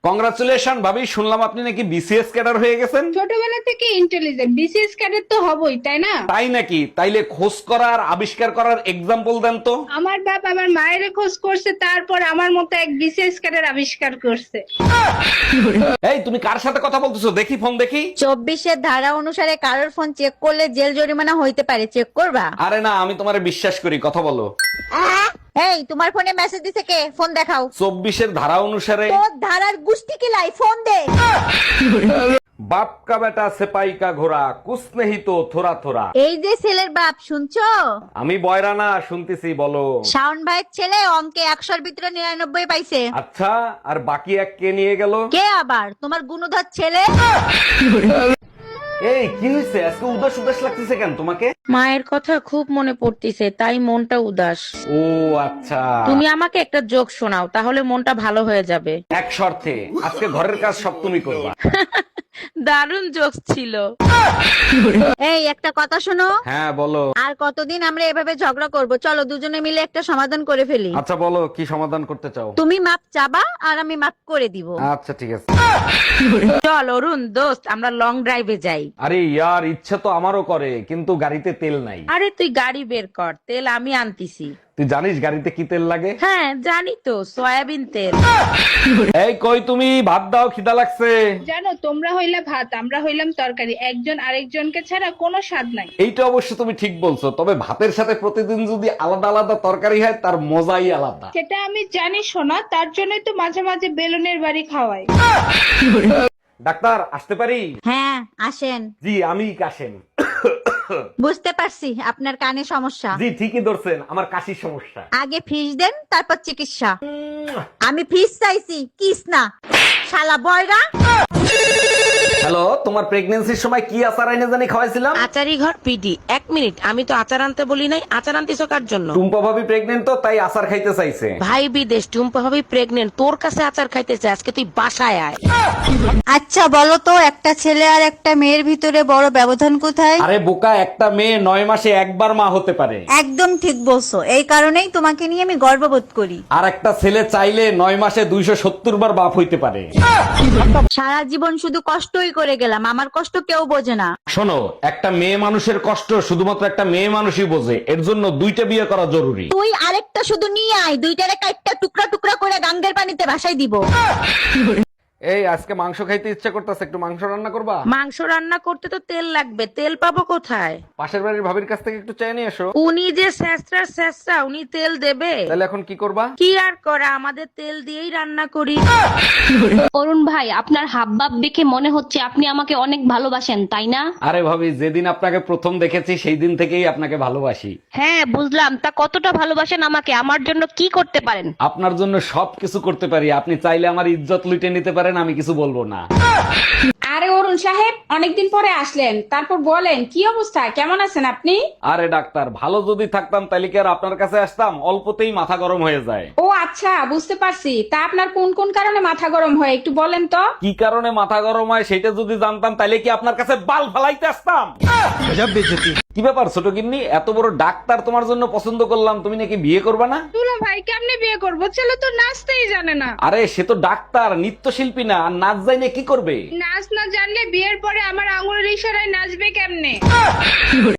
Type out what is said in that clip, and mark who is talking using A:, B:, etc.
A: Congratulation ভাবি, শুনলাম আপনি নাকি বিসিএস ক্যাডার হয়ে গেছেন।
B: ছোটবেলা থেকে ইন্টেলিজেন্ট, বিসিএস ক্যাডেট তো হবই, তাই না?
A: তাই নাকি? তাইলে খোঁজ করার আবিষ্কার করার এক্সাম্পল দেন তো।
B: আমার বাপ আমার মায়ের খোঁজ করছে, তারপর আমার মতো এক বিসিএস ক্যাডেট আবিষ্কার করছে।
A: এই তুমি কার সাথে কথা বলতেছো? দেখি ফোন দেখি।
C: 24-এর ধারা অনুসারে কারোর ফোন চেক করলে জেল জরিমানা হইতে পারে, চেক করবা?
A: আরে না, আমি তোমারে বিশ্বাস করি, কথা বলো।
C: এই তোমার ফোনে মেসেজ দিছে কে? ফোন দেখাও।
A: 24-এর ধারা অনুসারে
C: তোর ধারার গুষ্টি কি লাই, ফোন দে।
A: বাপ কা বেটা সিপাই কা ঘোড়া কুছ নেহি তো থোড়া থোড়া।
C: এই যে ছেলের বাপ, শুনছো?
A: আমি বয়রা না, শুনতেছি, বলো।
C: শাওন ভাইয়ের ছেলে অঙ্কে 100-র ভিতরে 99 পাইছে।
A: আচ্ছা, আর বাকি এক কে নিয়ে গেল?
C: কে আবার? তোমার গুণধর ছেলে।
A: এই কি হয়েছে? আজকে উদাস উদাস লাগতেছে কেন তোমাকে?
D: মায়ের কথা খুব মনে পড়তিছে, তাই মনটা উদাস।
A: ও আচ্ছা।
D: তুমি আমাকে একটা জোক শোনাও, তাহলে মনটা ভালো হয়ে যাবে।
A: এক শর্তে, আজকে ঘরের কাজ সব তুমি করবা।
D: দারুণ জোক ছিল।
C: এই একটা কথা শোনো,
A: হ্যাঁ বলো।
C: আর কতদিন আমরা এভাবে ঝগড়া করব? চলো দুজনে মিলে একটা সমাধান করে ফেলি।
A: আচ্ছা বলো, কি সমাধান করতে চাও?
C: তুমি মাপ চাবা আর আমি মাপ করে দিব।
A: আচ্ছা ঠিক আছে।
D: চল অরুণ দোস্ত, আমরা লং ড্রাইভে যাই।
A: আরে ইয়ার, ইচ্ছে তো আমারও করে, কিন্তু গাড়িতে তেল নাই।
D: আরে তুই গাড়ি বের কর, তেল আমি আনতিছি।
A: তুই জানিস গাড়িতে কি তেল লাগে?
D: হ্যাঁ জানি তো, সয়াবিন তেল।
A: এই কই তুমি, ভাত দাও, খিদা লাগছে।
B: জানো, তোমরা হইলা ভাত, আমরা হইলাম তরকারি, একজন আরেকজনকে ছাড়া কোনো স্বাদ নাই।
A: এইটা অবশ্য তুমি ঠিক বলছো, তবে ভাতের সাথে প্রতিদিন যদি আলাদা আলাদা তরকারি হয় তার মজাই আলাদা।
B: সেটা আমি জানি সোনা, তার জন্যই তো মাঝে মাঝে বেলুনের বাড়ি খাওয়াই।
A: ডাক্তার আসতে পারি?
C: হ্যাঁ আসেন।
A: জি আমি কাশেম।
C: বুঝতে পারছি আপনার কানে সমস্যা।
A: জি ঠিকই ধরছেন, আমার কাশির সমস্যা।
C: আগে ফিস দেন, তারপর চিকিৎসা। আমি ফিস চাইছি, কিস না, শালা বয়রা।
A: হ্যালো, তোমার প্রেগন্যান্সির সময় কি আচার আইনে জানি খাওয়াইছিলাম?
D: আচারি ঘর পিডি। 1 মিনিট, আমি তো আচার আনতে বলি নাই। আচার আনতিছো কার জন্য?
A: টুম্পা ভাবি প্রেগনেন্ট তো, তাই আচার খাইতে চাইছে।
D: ভাই বিদেশ, টুম্পা ভাবি প্রেগনেন্ট, তোর কাছে আচার খাইতে চাই। আজকে তুই বাসায় আয়।
C: আচ্ছা বলো তো, একটা ছেলে আর একটা মেয়ের ভিতরে বড় ব্যবধান কোথায়?
A: আরে বোকা, একটা মেয়ে 9 মাসে একবার মা হতে পারে।
C: একদম ঠিক বলছো, এই কারণেই তোমাকে নিয়ে আমি গর্ববোধ করি।
A: আর একটা ছেলে চাইলে 9 মাসে 270 বার বাপ হইতে পারে।
C: সারা জীবন শুধু কষ্টই করে গেলাম, আমার কষ্ট কেউ বোঝে না।
A: শোনো, একটা মেয়ে মানুষের কষ্ট শুধুমাত্র একটা মেয়ে মানুষই বোঝে, এর জন্য 2টা বিয়ে করা জরুরি।
C: তুই আরেকটা শুধু নিয়ে আয়, দুইটারে কাইটটা টুকরা টুকরা করে গাঙ্গের পানিতে ভাসাই দিব।
A: এই আজকে মাংস খাইতে ইচ্ছা করতেছে, একটু মাংস রান্না করবা?
D: মাংস রান্না করতে তো তেল লাগবে, তেল পাবো কোথায়?
A: পাশের বাড়ির ভাবির কাছ থেকে একটু চেয়ে নিয়ে এসো।
D: উনি যে স্যাঁচরা, উনি তেল দেবে?
A: তাহলে এখন কি করবা?
D: কি আর করা, আমাদের তেল দিয়েই রান্না করি।
E: অরুণ ভাই, আপনার হাবভাব দেখে মনে হচ্ছে আপনি আমাকে অনেক ভালোবাসেন, তাই না?
A: আরে ভাবি, যেদিন আপনাকে প্রথম দেখেছি সেই দিন থেকেই আপনাকে ভালোবাসি।
E: হ্যাঁ বুঝলাম, তা কতটা ভালোবাসেন আমাকে? আমার জন্য কি করতে পারেন?
A: আপনার জন্য সবকিছু করতে পারি, আপনি চাইলে আমার ইজ্জত লুটে নিতে পারেন, আমি কিছু বলবো না।
B: আরে অরুণ সাহেব, অনেকদিন পরে আসলেন, তারপর বলেন কি অবস্থা, কেমন আছেন আপনি?
A: আরে ডাক্তার, ভালো যদি থাকতাম তাহলে কি আর আপনার কাছে আসতাম? অল্পতেই মাথা গরম হয়ে যায়।
B: ও আচ্ছা, বুঝতে পারছি। তা আপনার কোন কোন কারণে মাথা গরম হয় একটু বলেন তো।
A: কি কারণে মাথা গরম হয় সেটা যদি জানতাম তাহলে কি আপনার কাছে বাল ফালাইতে আসতাম? কি ব্যাপার ছোট গিন্নি, এত বড় ডাক্তার তোমার জন্য পছন্দ করলাম, তুমি নাকি বিয়ে করবে না?
B: দুলা ভাই, কেমনে বিয়ে করবো? ছেলে তো নাচতেই জানে না।
A: আরে সে তো ডাক্তার, নৃত্যশিল্পী না, আর নাচ জানে কি করবে?
B: নাচ না জানলে বিয়ের পরে আমার আঙুলের ইশারায় নাচবে কেমনে?